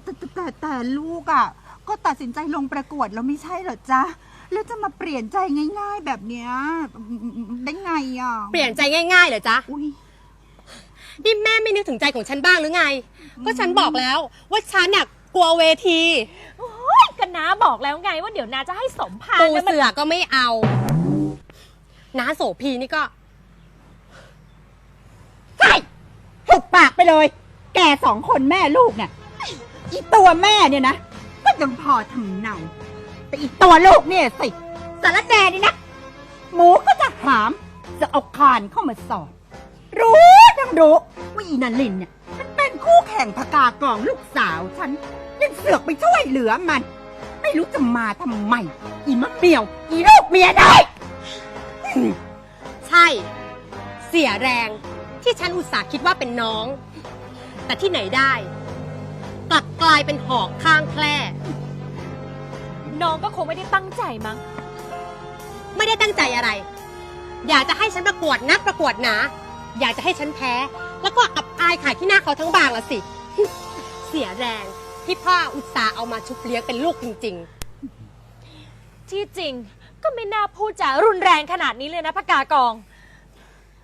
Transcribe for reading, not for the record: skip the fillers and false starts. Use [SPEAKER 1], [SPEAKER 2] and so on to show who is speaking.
[SPEAKER 1] แต่ลูกอ่ะก็ตัดสินใจลงประกวดแล้วไม่ใช่เหรอจ๊ะแล้วจะมาเปลี่ยนใจง่ายๆแบบเนี้ยได้ไงอ่ะ
[SPEAKER 2] เปลี่ยนใจง่ายๆเหรอจ๊ะ
[SPEAKER 1] อุ้ย
[SPEAKER 2] นี่แม่ไม่นึกถึงใจของฉันบ้างหรือไง ก็ฉันบอกแล้วว่าฉันน่ะกลัวเวที
[SPEAKER 3] โอ้ยก็น้าบอกแล้วไงว่าเดี๋ยวน้าจะให้สมภาร
[SPEAKER 2] ปู
[SPEAKER 3] นะมัน
[SPEAKER 2] เสือก็ไม่เอาน้าโสพีนี่ก็
[SPEAKER 1] ใช่หุบปากไปเลย แกสองคนแม่ลูกเนี่ยอีตัวแม่เนี่ยนะก็ยังพอทำเนาแต่อีตัวลูกเนี่ยสิสารแหน่นี่นะหมูก็จะหามจะเอาคานเข้ามาสอบรู้ทั้งรู้ว่าอีนันลินเนี่ยมันเป็นคู่แข่งพกากองลูกสาวฉันยังเสือกไปช่วยเหลือมัน ไม่รู้จะมาทำไมอีมะเมียวอีลูกเมียได้
[SPEAKER 2] ใช่ เสียแรงที่ฉันอุตส่าห์คิดว่าเป็นน้อง แต่ที่ไหนได้ กลับกลายเป็นหอกข้างแคร่
[SPEAKER 3] น้องก็คงไม่ได้ตั้งใจมั้ง
[SPEAKER 2] ไม่ได้ตั้งใจอะไร อยากจะให้ฉันประกวดนักประกวดหนาอยากจะให้ฉันแพ้ แล้วก็อับอายขายที่หน้าเขาทั้งบางละสิ เสียแรงที่พ่ออุตส่าห์เอามาชุบเลี้ยงเป็นลูกจริงๆ
[SPEAKER 3] ที่จริงก็ไม่น่าพูดจารุนแรงขนาดนี้เลยนะพกากอง